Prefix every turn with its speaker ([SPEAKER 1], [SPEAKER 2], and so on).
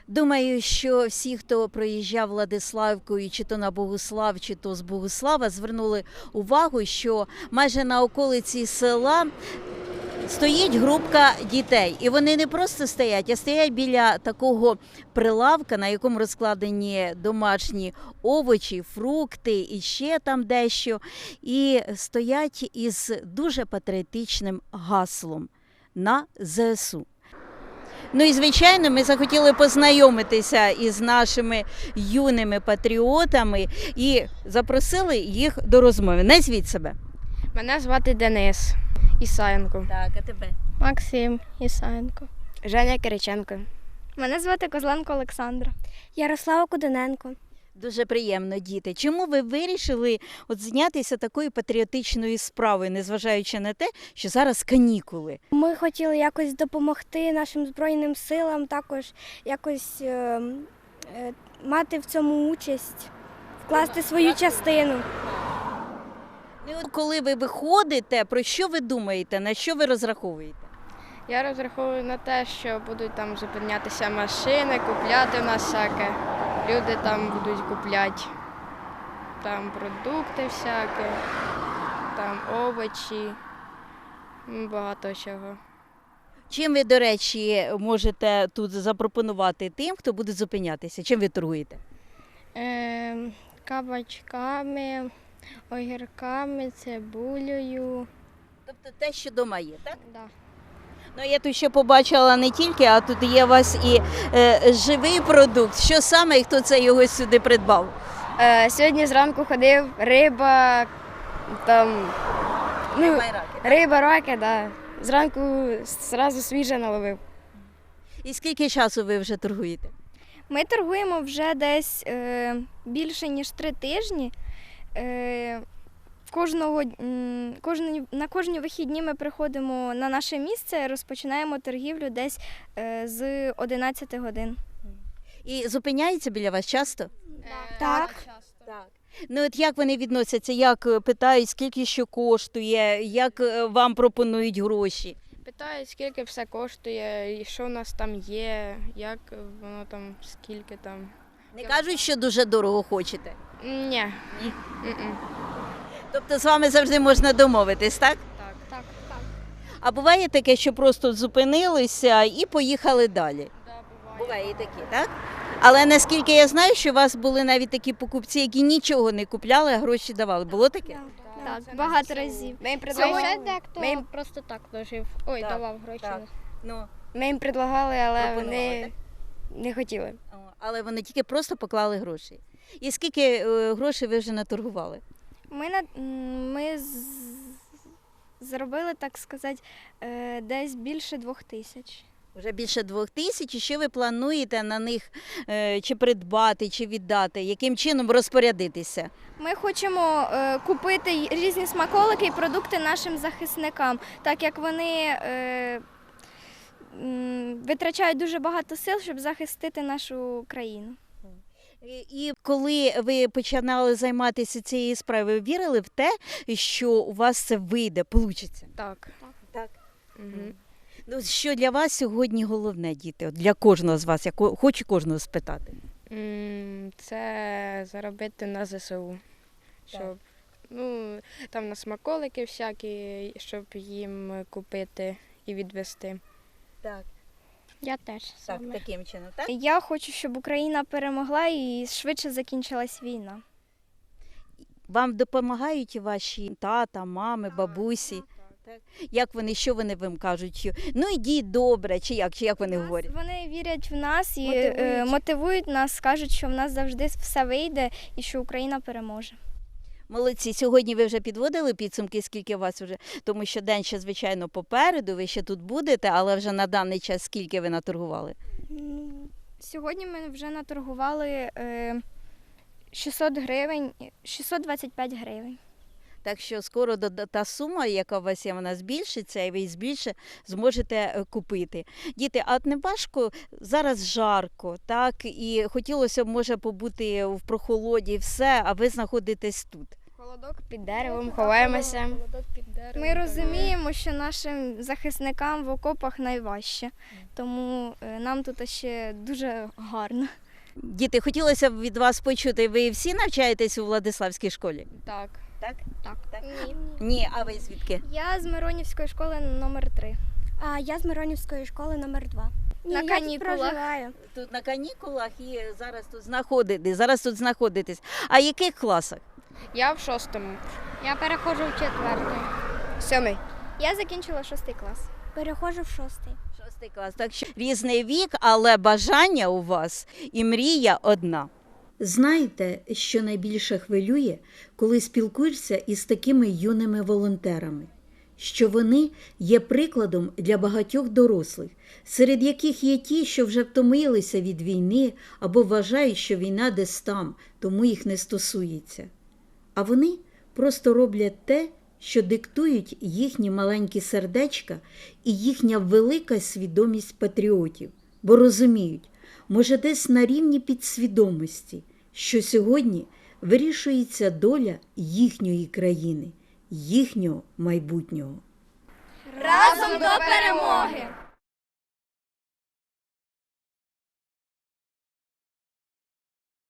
[SPEAKER 1] Думаю, що всі, хто проїжджав Владиславкою, чи то на Богуслав, чи то з Богуслава, звернули увагу, що майже на околиці села стоїть групка дітей. І вони не просто стоять, а стоять біля такого прилавка, на якому розкладені домашні овочі, фрукти і ще там дещо. І стоять із дуже патріотичним гаслом «На ЗСУ». Ну і, звичайно, ми захотіли познайомитися із нашими юними патріотами і запросили їх до розмови. Назвіть себе.
[SPEAKER 2] Мене звати Денис Ісаєнко.
[SPEAKER 1] Так, а тебе?
[SPEAKER 3] Максим Ісаєнко.
[SPEAKER 2] Женя Кириченко.
[SPEAKER 3] Мене звати Козленко Олександра. Ярослава Кудененко.
[SPEAKER 1] Дуже приємно, діти. Чому ви вирішили зайнятися такою патріотичною справою, незважаючи на те, що зараз канікули?
[SPEAKER 3] Ми хотіли якось допомогти нашим Збройним силам, також якось мати в цьому участь, вкласти свою частину.
[SPEAKER 1] Ну, от коли ви виходите, про що ви думаєте, на що ви розраховуєте?
[SPEAKER 2] Я розраховую на те, що будуть там зупинятися машини, купляти в нас всяке. Люди там будуть купляти там продукти всякі, там овочі, багато чого.
[SPEAKER 1] Чим ви, до речі, можете тут запропонувати тим, хто буде зупинятися? Чим ви торгуєте?
[SPEAKER 3] Кабачками, огірками, цибулею.
[SPEAKER 1] Тобто те, що вдома є, так?
[SPEAKER 3] Да.
[SPEAKER 1] Ну, я тут ще побачила не тільки, а тут є у вас і живий продукт. Що саме і хто це його сюди придбав?
[SPEAKER 2] Сьогодні зранку ходив, риба, там, риба, раки, да. Зранку зразу свіже наловив.
[SPEAKER 1] І скільки часу ви вже торгуєте?
[SPEAKER 3] Ми торгуємо вже десь більше, ніж 3 тижні. На кожні вихідні ми приходимо на наше місце, розпочинаємо торгівлю десь з 11 годин.
[SPEAKER 1] І зупиняється біля вас часто?
[SPEAKER 3] Так.
[SPEAKER 1] Ну от як вони відносяться, як питають, скільки що коштує, як вам пропонують гроші?
[SPEAKER 2] Питають, скільки все коштує, і що у нас там є, як воно там, скільки там.
[SPEAKER 1] Не кажуть, що дуже дорого хочете?
[SPEAKER 2] Ні.
[SPEAKER 1] Ні?
[SPEAKER 2] М-м.
[SPEAKER 1] Тобто з вами завжди можна домовитись, так?
[SPEAKER 2] Так.
[SPEAKER 1] А буває таке, що просто зупинилися і поїхали далі?
[SPEAKER 2] Да, буває.
[SPEAKER 1] Буває і таке, так? Але наскільки я знаю, що у вас були навіть такі покупці, які нічого не купляли, а гроші давали. Було таке?
[SPEAKER 3] Так,
[SPEAKER 2] це
[SPEAKER 3] багато
[SPEAKER 2] не
[SPEAKER 3] разів.
[SPEAKER 2] Ми їм
[SPEAKER 3] Сьогодні
[SPEAKER 2] предлагали,
[SPEAKER 3] дехто
[SPEAKER 2] ми їм
[SPEAKER 3] просто так дожив.
[SPEAKER 2] Ой,
[SPEAKER 1] Так,
[SPEAKER 2] давав гроші.
[SPEAKER 1] так. Ну,
[SPEAKER 2] Ми їм предлагали, але
[SPEAKER 1] Пропонували,
[SPEAKER 2] вони не хотіли.
[SPEAKER 1] але вони тільки просто поклали гроші. І скільки грошей ви вже наторгували?
[SPEAKER 3] Ми заробили, так сказати, десь більше 2000.
[SPEAKER 1] Вже більше 2000. І що ви плануєте на них чи придбати, чи віддати? Яким чином розпорядитися?
[SPEAKER 3] Ми хочемо купити різні смаколики і продукти нашим захисникам, так як вони витрачають дуже багато сил, щоб захистити нашу країну.
[SPEAKER 1] І коли ви починали займатися цією справою, ви вірили в те, що у вас це вийде, получиться?
[SPEAKER 2] Так.
[SPEAKER 1] Так.
[SPEAKER 2] Угу.
[SPEAKER 1] Ну, що для вас сьогодні головне, діти? От для кожного з вас, я хочу кожного спитати.
[SPEAKER 2] Це заробити на ЗСУ, щоб там на смаколики всякі, щоб їм купити і відвезти.
[SPEAKER 1] Так,
[SPEAKER 3] Я теж
[SPEAKER 1] таким чином, так?
[SPEAKER 3] Я хочу, щоб Україна перемогла і швидше закінчилась війна.
[SPEAKER 1] Вам допомагають ваші тата, мами, бабусі? Так. Як вони, що вони вам кажуть? Ну йдіть добре, чи як вони говорять?
[SPEAKER 3] Вони вірять в нас і
[SPEAKER 1] Мотивують.
[SPEAKER 3] нас, кажуть, що в нас завжди все вийде і що Україна переможе.
[SPEAKER 1] Молодці, сьогодні ви вже підводили підсумки, скільки у вас вже, тому що день ще, звичайно, попереду, ви ще тут будете, але вже на даний час скільки ви наторгували?
[SPEAKER 3] Сьогодні ми вже наторгували 600 гривень, 625 гривень.
[SPEAKER 1] Так що скоро та сума, яка у вас є, вона збільшиться, і ви більше зможете купити. Діти, а не важко, зараз жарко, так, і хотілося б, може, побути в прохолоді, все, а ви знаходитесь тут.
[SPEAKER 2] Холодок під деревом, ховаємося.
[SPEAKER 3] Ми розуміємо, що нашим захисникам в окопах найважче, тому нам тут ще дуже гарно.
[SPEAKER 1] Діти, хотілося б від вас почути, ви всі навчаєтесь у Владиславській школі?
[SPEAKER 2] Так.
[SPEAKER 1] Так?
[SPEAKER 3] Так.
[SPEAKER 1] Ні, а ви звідки?
[SPEAKER 3] Я з Миронівської школи номер 3. А я з Миронівської школи номер 2.
[SPEAKER 2] На канікулах.
[SPEAKER 3] Проживаю.
[SPEAKER 1] Тут на канікулах і зараз тут знаходитесь. А в яких класах?
[SPEAKER 2] Я в 6-му.
[SPEAKER 3] Я переходжу в 4-й.
[SPEAKER 2] 7-й.
[SPEAKER 3] Я закінчила 6 клас. Переходжу в 6-й.
[SPEAKER 1] 6 клас. Так що різний вік, але бажання у вас і мрія одна. Знаєте, що найбільше хвилює, коли спілкуєшся із такими юними волонтерами? Що вони є прикладом для багатьох дорослих, серед яких є ті, що вже втомилися від війни або вважають, що війна десь там, тому їх не стосується. А вони просто роблять те, що диктують їхні маленькі сердечка і їхня велика свідомість патріотів, бо розуміють, може десь на рівні підсвідомості, що сьогодні вирішується доля їхньої країни, їхнього майбутнього.
[SPEAKER 3] Разом до перемоги!